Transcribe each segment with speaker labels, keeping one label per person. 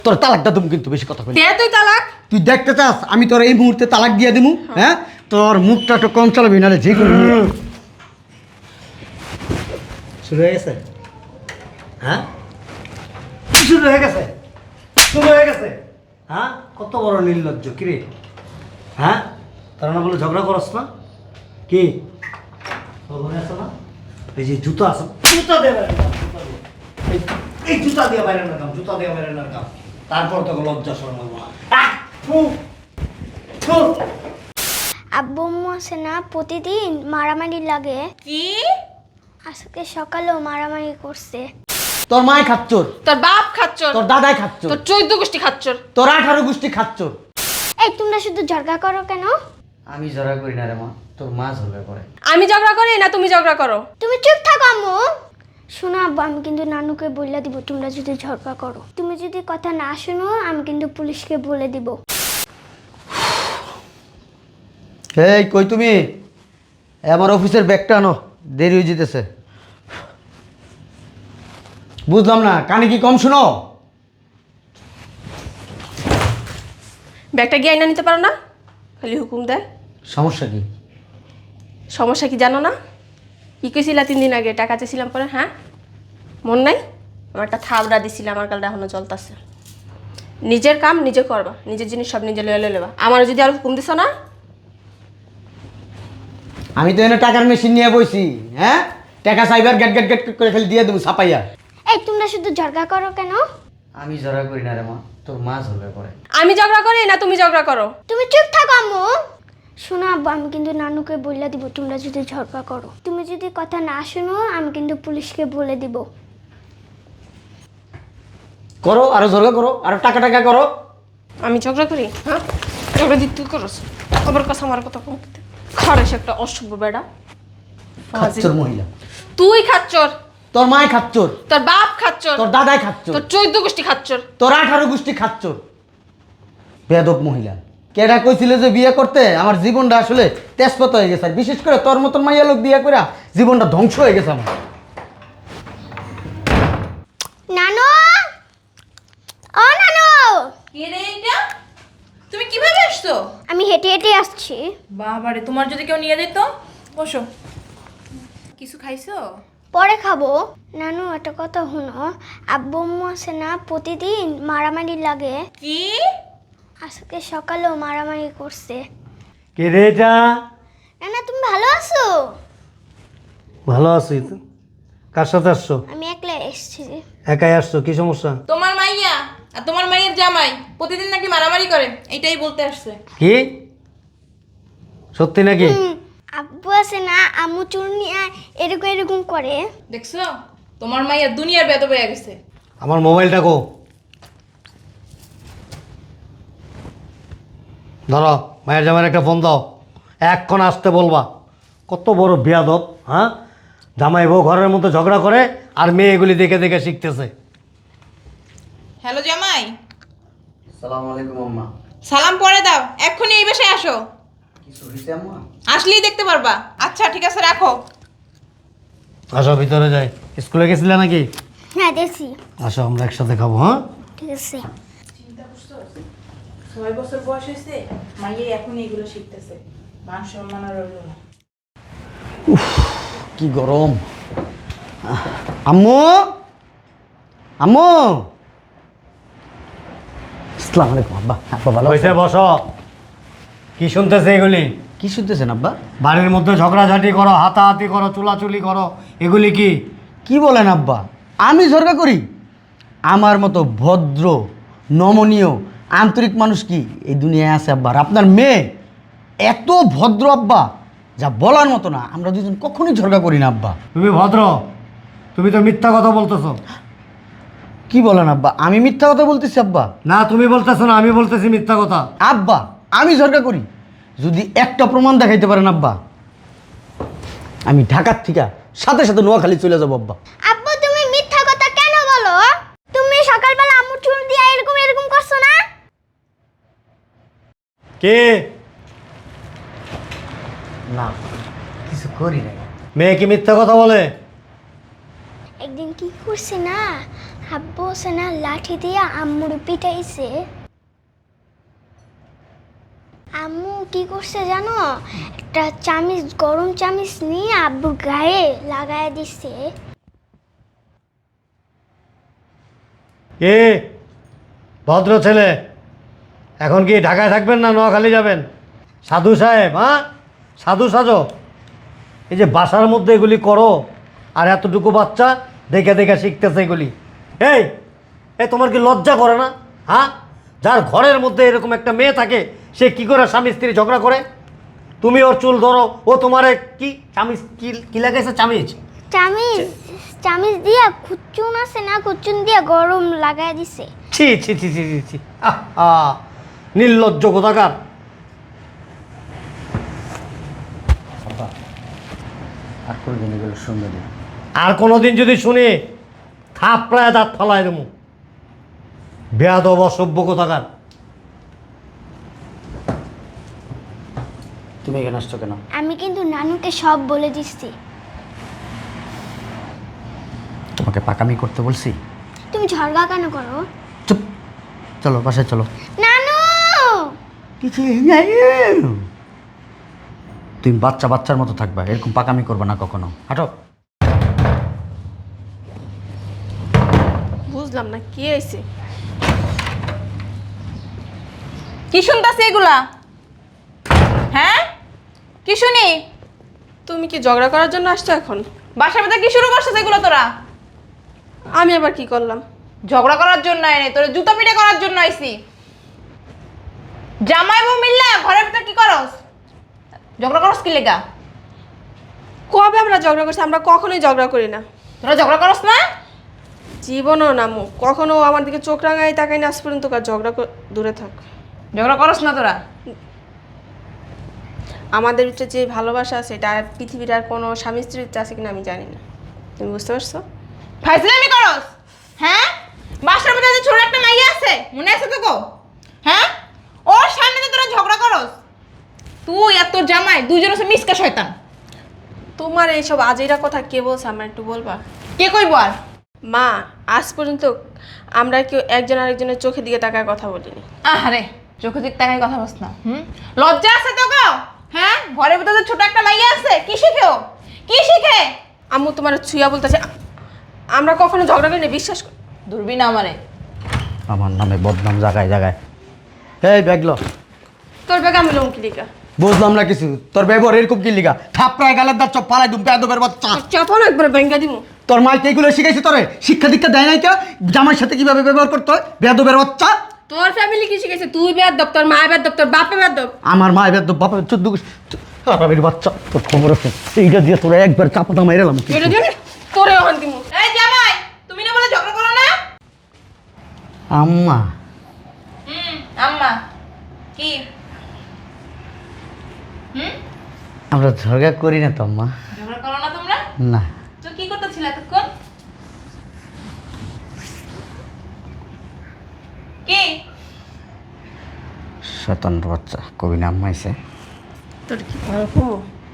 Speaker 1: তোর তালাকটা তুমি কিন্তু বেশি কথা বলি।
Speaker 2: দে তুই তালাক।
Speaker 1: তুই দেখতে চাস আমি তোর এই মুহূর্তে তালাক দিয়ে দিমু? হ্যাঁ, তোর মুখটা একটু কম চালাবি, নাহলে যে কোনো শুরু হয়ে গেছে। হ্যাঁ, শুরু হয়ে গেছে, শুরু হয়ে গেছে। হ্যাঁ, কত বড় নির্লজ্জ কিরে। হ্যাঁ, তারা না বলে ঝগড়া করস না কি? খবর আছে না? এই যে জুতো আছে, জুতা দিয়ে বাইরে নাম, জুতা দিয়ে। এই জুতা দিয়ে বাইরে নাম, জুতা দিয়ে বাইরে নাম। তারপর তোকে লজ্জা শরম লাগবে না।
Speaker 3: আব্বু আম্মু আছে না, প্রতিদিন মারামারি লাগে।
Speaker 2: কি?
Speaker 3: আজকে সকালেও মারামারি করছে।
Speaker 1: তোর মায় খাচ্চর,
Speaker 2: তোর বাপ খাচ্চর,
Speaker 1: তোর দাদাই খাচ্চর,
Speaker 2: তোর 14 গোষ্ঠী খাচ্চর,
Speaker 1: তোর 18 গোষ্ঠী খাচ্চর।
Speaker 3: এই তোমরা শুধু ঝগড়া করো কেন?
Speaker 1: আমি ঝগড়া করি না রে মা, তোর মা ঝগড়া করে।
Speaker 2: আমি ঝগড়া করি না তুমি ঝগড়া করো?
Speaker 3: তুমি চুপ থাকো আম্মু। শোনো আব্বু, আমি কিন্তু নানুকে বলে দিব তোমরা যদি ঝগড়া করো। তুমি যদি কথা না শোনো আমি কিন্তু পুলিশকে বলে দিব।
Speaker 1: এই কই তুমি? আমার অফিসের ব্যাগটা আনো, দেরি হয়ে যেতেছে। বুঝলাম না, কানে কি কম শুনো?
Speaker 2: ব্যাগটা গিয়ে আইনা নিতে পারো না? খালি হুকুম দেয়।
Speaker 1: সমস্যা কি?
Speaker 2: সমস্যা কি জানো না? কি কইছিলা 3 দিন আগে টাকা চেয়েছিলাম পরে? হ্যাঁ, মন নাই? আমার একটা থাবড়া দিছিলাম, আমার গালটা এখনো জ্বলতাছে। নিজের কাম নিজে করবা, নিজের জিনিস সব নিজে লয়ে লেবা। আমার যদি আর হুকুম দিছ না,
Speaker 1: আমি তো এনে টাকার মেশিন নিয়ে বইছি। হ্যাঁ, টাকা চাইবার গেট গেট গেট করে খালি দিয়ে দেবো ছাপাইয়া।
Speaker 3: এই তোমরা শুধু ঝগড়া করো কেন?
Speaker 1: আমি ঝগড়া করি না রে মা, তোর মা ঝগড়া করে।
Speaker 2: আমি ঝগড়া করি না তুমি ঝগড়া করো?
Speaker 3: তুমি চুপ থাকো আম্মু। শোনো আব্বু, আমি কিন্তু নানুকে বলে দিব তোমরা যদি ঝগড়া করো। তুমি যদি কথা না শোনো আমি কিন্তু পুলিশকে বলে দিব।
Speaker 1: করো, আরো ঝগড়া করো, আরো টাকা টাকা করো।
Speaker 2: আমি ঝগড়া করি? হ্যাঁ, ঝগড়া দিতে তুই করস। খবর কথা আমার কথা কম খারেস একটা অসভ্য বেড়া।
Speaker 1: খাচ্চর মহিলা।
Speaker 2: তুই খাচ্চর,
Speaker 1: তোর মায় খাচ্চর,
Speaker 2: তোর বাপ খাচ্চর,
Speaker 1: তোর দাদাই খাচ্চর,
Speaker 2: তোর 14 গোষ্ঠী খাচ্চর।
Speaker 1: তোর 18 গোষ্ঠী খাচ্চর। বেয়াদব মহিলা। কেডা কইছিল যে বিয়ে করতে? আমার জীবনটা আসলে তেজপাত হয়ে গেছে। আর বিশেষ করে তোর মতন মাইয়া লোক বিয়ে করে জীবনটা ধ্বংস হয়ে গেছে আমার।
Speaker 3: নানু, ও নানু,
Speaker 4: কে রে এটা? তুমি কিভাবে আসছো?
Speaker 3: আমি হেঁটে হেঁটে আসছি।
Speaker 4: বাবারে, তোমার যদি কেউ নিয়ে যেত। বসো। কিছু খাইছো?
Speaker 3: পরে খাবো। নানু একটা কথা শুনো, আব্বু আম্মু আছে না, প্রতিদিন মারামারি লাগে।
Speaker 4: কি?
Speaker 3: আজকে সকালেও মারামারি করছে।
Speaker 1: কে রে এটা?
Speaker 3: নানা তুমি ভালো আছো?
Speaker 1: ভালো আছি তো। কার সাথে আসছো?
Speaker 3: আমি একলা এসেছি।
Speaker 1: একাই আসছো? কি সমস্যা?
Speaker 4: তোমার মাইয়া আর তোমার মাইয়ের জামাই প্রতিদিন নাকি মারামারি করে, এইটাই বলতে আসছে।
Speaker 1: কি সত্যি নাকি?
Speaker 3: আব্বু আছে না, আম্মু চুরনিয়া এরকম এরকম করে।
Speaker 4: দেখছো, তোমার মাইয়া দুনিয়ার বেদ হয়ে গেছে।
Speaker 1: আমার মোবাইলটা কো, ধরো। মায়ের জামাইয়ের একটা ফোন দাও, এক্ষণ আসতে বলবা। কত বড় বেয়াদব। হ্যাঁ, জামাই বউ ঘরের মধ্যে ঝগড়া করে আর মেয়ে এগুলি দেখে দেখে শিখতেছে।
Speaker 4: হ্যালো জামাই।
Speaker 1: সালাম আলাইকুম আম্মা।
Speaker 4: সালাম পরে দাও, এক্ষুনি এই বাসায় আসো।
Speaker 1: কিছু হইছে আম্মা?
Speaker 4: আসলেই দেখতে পারবা। আচ্ছা ঠিক আছে, রাখো।
Speaker 1: আসো ভিতরে যাই। স্কুলে গেছিলে নাকি?
Speaker 3: হ্যাঁ দেখছি।
Speaker 1: আসো আমরা একসাথে খাবো। হ্যাঁ,
Speaker 3: ঠিক আছে।
Speaker 4: 6 বছর বয়স হয়েছে, মাইয়া এখনই এগুলো শিখতেছে। মান সম্মান আর রইল না।
Speaker 1: কি গরম। আম্মু, আম্মু। আসসালামু আলাইকুম আব্বা। আব্বা ভালো
Speaker 5: হয়েছে? বসো। কি শুনতেছে এগুলি?
Speaker 1: কি শুনতেছেন আব্বা?
Speaker 5: বাড়ির মধ্যে ঝগড়াঝাটি করো, হাতাহাতি করো, চুলাচুলি করো, এগুলি কি?
Speaker 1: কি বলেন আব্বা? আমি ঝগড়া করি? আমার মতো ভদ্র, নমনীয়, আন্তরিক মানুষ কি এই দুনিয়ায় আছে আব্বা? আর আপনার মেয়ে এত ভদ্র আব্বা, যা বলার মতো না। আমরা দুজন কখনোই ঝগড়া করি না আব্বা।
Speaker 5: তুমি ভদ্র? তুমি তো মিথ্যা কথা বলতেছো।
Speaker 1: কি বলেন আব্বা? আমি মিথ্যা কথা বলতেছি আব্বা?
Speaker 5: না, তুমি বলতেছো না, আমি বলতেছি মিথ্যা কথা।
Speaker 1: আব্বা আমি ঝগড়া করি, যদি একটা প্রমাণ দেখাইতে পারেন আব্বা, আমি ঢাকার থেকে সাথে সাথে নোয়াখালী চলে যাবো আব্বা।
Speaker 3: আব্বু তুমি মিথ্যা কথা কেন বলো? তুমি সকালবেলা আম্মু চুল দিয়ে এরকম এরকম করছো না?
Speaker 5: কে?
Speaker 1: না, কিছু করি না।
Speaker 5: মেয়ে কি মিথ্যা কথা বলে?
Speaker 3: একদিন কি করছে না, আব্বু সেনা লাঠি দিয়ে আম্মুর পিটাইছে। আম্মু কি করছে জানো, একটা চামিচ, গরম চামিচ নিয়ে আব্বুর গায়ে লাগায় দিচ্ছে।
Speaker 5: এ ভদ্র ছেলে, এখন কি ঢাকায় থাকবেন না নোয়াখালী যাবেন? সাধু সাহেব, হ্যাঁ সাধু সাজো। এই যে বাসার মধ্যে এগুলি করো, আর এতটুকু বাচ্চা দেখে দেখে শিখতেছে এগুলি। এই এই তোমার কি লজ্জা করে না? হ্যাঁ, যার ঘরের মধ্যে এরকম একটা মেয়ে থাকে সে কি করে স্বামী স্ত্রী ঝগড়া করে? তুমি ওর চুল ধরো, ও তোমারে কি চামিচ কি লাগাইছে? চামিচ
Speaker 3: চামিচ চামিচ দিয়া খুচুন আছে না, খুচুন দিয়া গরম লাগায় দিছে।
Speaker 5: ছি ছি ছি ছি ছি ছি, আহ নির্লজ্জ কোথাকার।
Speaker 1: আর করবেন এগুলো সুন্দরী।
Speaker 5: আর কোনোদিন যদি শুনি থাপড়ায় দাঁত ফালায় দেবো। বেয়াদব অসভ্য কোথাকার।
Speaker 1: তুমি এখানে আসছো কেন?
Speaker 3: আমি কিন্তু নানুকে সব বলে দিচ্ছি।
Speaker 1: তোমাকে পাকামি করতে বলছি?
Speaker 3: তুমি ঝগড়া কেন করো?
Speaker 1: চুপ, চলো বাসায় চলো।
Speaker 3: নানু
Speaker 1: কিছু তুমি বাচ্চা বাচ্চার মতো থাকবা, এরকম পাকামি করবে না কখনো। হাঁটো।
Speaker 2: বুঝলাম না কি হয়েছে।
Speaker 4: কি শুনতাছি এগুলা? হ্যাঁ, কি শুনি?
Speaker 2: তুমি কি ঝগড়া করার জন্য আসছো এখন?
Speaker 4: বাসার মধ্যে কি শুরু করছিস এগুলো তোরা?
Speaker 2: আমি আবার কি করলাম?
Speaker 4: ঝগড়া করার জন্য আইনি, তোরা জুতা পিটা করার জন্য আইছি। জামাই বউ মিললা ঘরের ভিতর কি করস? ঝগড়া করস কি লেগা?
Speaker 2: কবে আমরা ঝগড়া করছি? আমরা কখনোই ঝগড়া করি না।
Speaker 4: তোরা ঝগড়া করস না?
Speaker 2: জীবনও না মু কখনো আমার দিকে চোখ রাঙাই তাকাই না আজ পর্যন্ত। কার ঝগড়া দূরে থাক।
Speaker 4: ঝগড়া করস না তোরা?
Speaker 2: আমাদের ভিতরে যে ভালোবাসা আছে এটা আর পৃথিবীর আর কোনো স্বামী স্ত্রীর আছে কিনা আমি জানি না। তুমি বুঝতে পারছো?
Speaker 4: ফাইজলামি করস? হ্যাঁ, বাসার মধ্যে যে ছোট একটা মাইয়া আছে, মনে আছে তোকে? হ্যাঁ, ওর সামনে তো তোরা ঝগড়া করস। তুই আর তোর জামাই দুইজন হচ্ছে মিসকা শয়তান।
Speaker 2: তোমার এইসব আজেরা কথা কে বলছে আমার একটু বলবা?
Speaker 4: কে কইব আর?
Speaker 2: মা, আজ পর্যন্ত আমরা কেউ একজন আরেকজনের চোখের দিকে তাকায় কথা বলিনি।
Speaker 4: আহারে, চোখে দিক তাকাই কথা বলছ না? লজ্জা আছে তো গো? হ্যাঁ, ঘরের ভিতরে যে ছোট একটা মাইয়া আছে, কি শিখে ও? কি শিখে?
Speaker 2: আম্মু তোমার ছুঁয়া বলতেছে আমরা কখনো ঝগড়া করি না, বিশ্বাস কর।
Speaker 4: দূরবীন আমারে।
Speaker 1: আমার নামে বদনাম জায়গায় জায়গায়। এই ব্যাগলো।
Speaker 2: তোর ব্যাগে আমি লঙ্কি লিখা
Speaker 1: বুঝলাম না কিছু, তোর ব্যবহার এরকম কি লিগা? থাপড়ায় গালের দাঁত চপ ফালাই দুম বেয়াদবের বাচ্চা।
Speaker 2: চাপানো একবার ব্যাঙ্গা দিব।
Speaker 1: তোর মাইকে এগুলো শিখাইছে তোরে? শিক্ষা দীক্ষা দেয় নাই কে? জামাইয়ের সাথে কিভাবে ব্যবহার করতে হয়? বেয়াদবের বাচ্চা।
Speaker 2: তোর ফ্যামিলি কি শিখেছে? তুই বেয়াদব, তোর মা বেয়াদব, তোর বাপে বেয়াদব।
Speaker 1: আমার মা বেয়াদব, বাপের 14 আরামের বাচ্চা। তোর খবর আছে? এইটা দিয়ে তোরা একবার চাপাটা মাইরালাম।
Speaker 2: এটা দিয়ে তোরে ওখান দিমু।
Speaker 4: এই জামাই, তুমি না বলে ঝগড়া করো না?
Speaker 1: আম্মা,
Speaker 4: আম্মা কি?
Speaker 1: আমরা ঝগড়া করি না তো আম্মা।
Speaker 4: ঝগড়া করো না তোমরা?
Speaker 1: না।
Speaker 4: তো কি করতেছিলে এতক্ষণ? কি?
Speaker 1: শয়তানের বাচ্চা কবি নাম মাইছে।
Speaker 2: তোর কি করবো?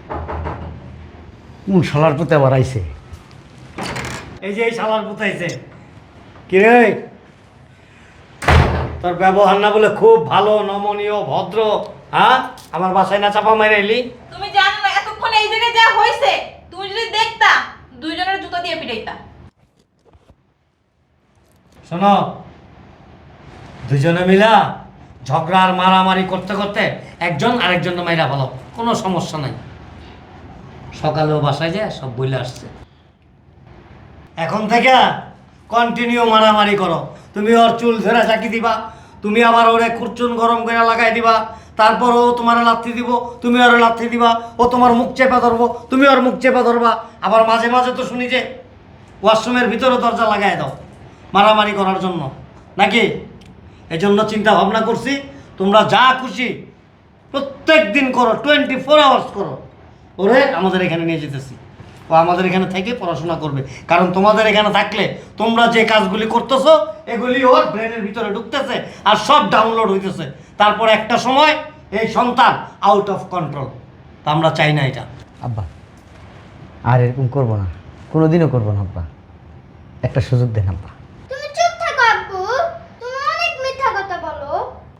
Speaker 5: কোন শালার পুতে আবার আইছে? এই যে এই শালার পুতে আইছে। কি রে, তোর ব্যবহার না বলে খুব ভালো, নমনীয়, ভদ্র, হ্যাঁ? আমার বাসায় না চাপা মাইরে এলি?
Speaker 4: তুমি জানো না এতক্ষণ এই জায়গায় যা হইছে, তুমি যদি দেখতা দুইজনের জুতা দিয়ে পিটাইতা।
Speaker 5: শোনো, দুজনে মিলা ঝগড়া আর মারামারি করতে করতে একজন আরেকজন মাইরা ভালো, কোনো সমস্যা নাই। সকালেও বাসায় যায় সব বইলে আসছে। এখন থেকে কন্টিনিউ মারামারি করো। তুমি ওর চুল ধরে চাকি দিবা, তুমি আবার ওরে খুরচুন গরম করে লাগাই দিবা, তারপর ও তোমার লাথি দিব, তুমি ওর লাথি দিবা, ও তোমার মুখ চেপে ধরবো, তুমি ওর মুখ চেপে ধরবা। আবার মাঝে মাঝে তো শুনি যে ওয়াশরুমের ভিতরে দরজা লাগাই দাও মারামারি করার জন্য, নাকি? এই জন্য চিন্তা ভাবনা করছি তোমরা যা খুশি প্রত্যেক দিন করো, 24 আওয়ার্স করো। ওরে আমাদের এখানে নিয়ে যেতেছি, ও আমাদের এখানে থেকে পড়াশোনা করবে। কারণ তোমাদের এখানে থাকলে তোমরা যে কাজগুলি করতেছো এগুলি ওর ব্রেনের ভিতরে ঢুকতেছে আর সব ডাউনলোড হইতেছে। তারপর একটা সময় এই সন্তান আউট অফ কন্ট্রোল। তা আমরা চাই না এটা।
Speaker 1: আব্বা আর এরকম করবো না, কোনোদিনও করবো না আব্বা। একটা সুযোগ দেন আব্বা।
Speaker 3: তুমি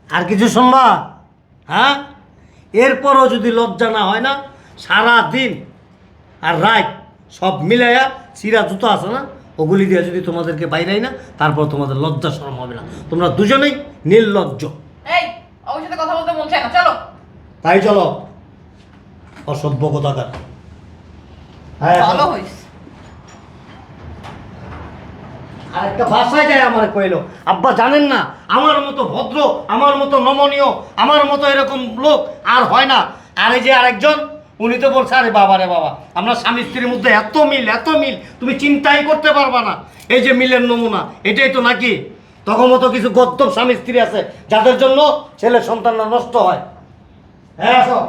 Speaker 1: আর কিছু শুনবা? হ্যাঁ, এরপরও যদি লজ্জা না হয় না, সারা দিন আর রাত সব মিলাইয়া চিরা জুতো আছে না, ওগুলি দিয়ে যদি তোমাদেরকে বাইরাই না, তারপর তোমাদের লজ্জা শরম হবে না। তোমরা দুজনেই নির্লজ্জ।
Speaker 4: এই ওর সাথে কথা বলতে মন চায় না, চলো।
Speaker 1: তাই চলো, অসভ্য কোথাকার। হ্যাঁ,
Speaker 4: ভালো হইস।
Speaker 1: আর একটা ভাষায় যায় আমার কইলো, আব্বা জানেন না, আমার মতো ভদ্র, আমার মতো নমনীয়, আমার মতো এরকম লোক আর হয় না। আর এই যে আরেকজন, উনি তো বলছে, আরে বাবা রে বাবা, আমরা স্বামী স্ত্রীর মধ্যে এত মিল, তুমি চিন্তাই করতে পারবা না। এই যে মিলের নমুনা, এটাই তো নাকি? তখন মতো কিছু গদ্দপ স্বামী স্ত্রী আছে যাদের জন্য ছেলে সন্তানরা নষ্ট হয়। হ্যাঁ, আসো।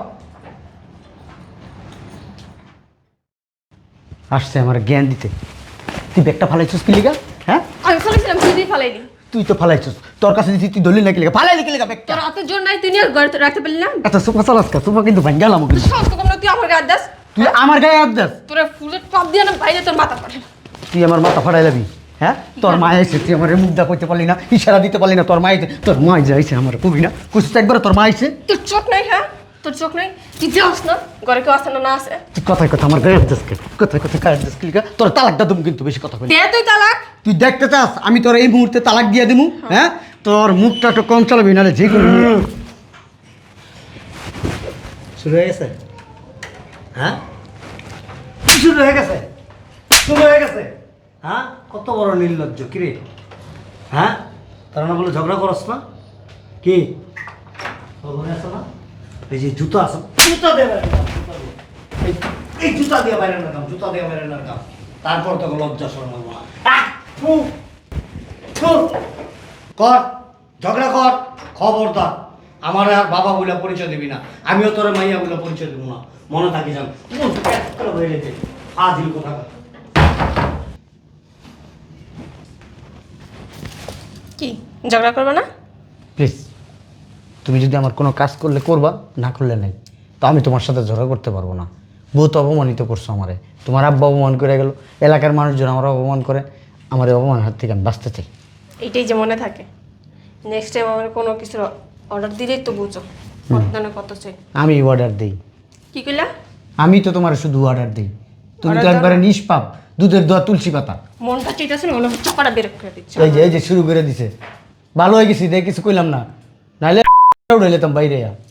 Speaker 6: আসছে আমার জ্ঞান দিতে। তুই ব্যাগটা ফালাইছিস কি লিগা? হ্যাঁ,
Speaker 2: আমি ফেলেছিলাম, তুই দিয়ে ফেলাইলি।
Speaker 6: তুই তো ফালাইছিস, তোর কাছে দিছি, তুই দলিল নাকি লিগা ফালাইলি কি লিগা ব্যাগটা?
Speaker 2: তোর হাতের জোর নাই, তুই নিয়ে ঘরে রাখতে পারলি না।
Speaker 6: এত সোফা চালাস কা? সোফা কিন্তু ভাঙ গেলাম
Speaker 2: তুই সাহস তো কম না, তুই আমার গায়ে দাস।
Speaker 6: তুই আমার গায়ে হাত দাস?
Speaker 2: তোর ফুলের টপ দিয়ে না বাইরে তোর মাথা পড়ে।
Speaker 6: তুই আমার মাথা ফাড়াই লাবি? হ্যাঁ, তোর মা এসে, তুই আমার মুখ কইতে পারলি না, ইশারা দিতে পারলি না। তোর মা এসে, তোর মা যাইছে আমার কবি না কুসতে একবার, তোর মা এসে।
Speaker 2: তোর চোখ নাই? হ্যাঁ, তোর চোখ নাই? তুই যাস না, ঘরে কেউ আসে না, না আসে?
Speaker 6: তুই কথায় কথা আমার গায়ে হাত দাস কে? কথায় কথা গায়ে হাত দাস কি লিগা? তোর তালাকটা দেবো কিন্তু, বেশি কথা বলি।
Speaker 2: দে তুই তালাক।
Speaker 6: তুই দেখতে চাস আমি তোর এই মুহূর্তে তালাক দিয়ে দিমু? হ্যাঁ, তোর মুখটা একটু কম চালাবি, নাহলে যে কোনো
Speaker 1: শুরু হয়ে গেছে? হ্যাঁ, শুরু হয়ে গেছে, শুরু হয়ে গেছে। হ্যাঁ, কত বড় নির্লজ্জ কিরে। হ্যাঁ, তারা না বলে ঝগড়া করস না কি? তোর ঘরে আসো না? এই যে জুতো আছে, জুতা দিয়ে বাইরে নাও, জুতা দিয়ে। এই জুতা দিয়ে বাইরে নাও, জুতা দিয়ে বাইরে নাও। তারপর তোকে লজ্জা শরম হবো না। থু, থু। কর, ঝগড়া কর, খবরদার আমার আর বাবা বলে পরিচয় দিবি না। আমিও তোর মাইয়া বলে পরিচয় দেবো না, মনে থাকি যান। হয়ে গেছে ফাজিল কোথাকার।
Speaker 2: কি ঝগড়া করবে না?
Speaker 6: প্লিজ, তুমি যদি আমার কোনো কাজ করলে করবা, না করলে নাই। তো আমি তোমার সাথে ঝগড়া করতে পারবো না। বহুত অপমানিত করছো আমারে। তোমার আব্বা অপমান করে গেল, এলাকার মানুষজন আমার অপমান করে। আমার এই অপমানের হাত থেকে আমি বাঁচতে চাই।
Speaker 2: এইটাই যে মনে থাকে। নেক্সট টাইম আমার কোনো কিছুর অর্ডার দিলেই তো বুঝো কত দানে কত চাই।
Speaker 6: আমি অর্ডার দিই?
Speaker 2: কি কইলা?
Speaker 6: আমি তো তোমার শুধু অর্ডার দিই। তুমি তো
Speaker 2: Order দাও
Speaker 6: একবারে নিষ্পাপ, দুধের দোয়া তুলসী পাতা।
Speaker 2: মনটা চাইতেছে না, মনে চাপাটা বের করে দিচ্ছে।
Speaker 6: এই যে শুরু করে দিছে। ভালো হয়ে গেছি, দেখ কিছু কইলাম না, নাহলে উড়ে যেতাম বাইরে।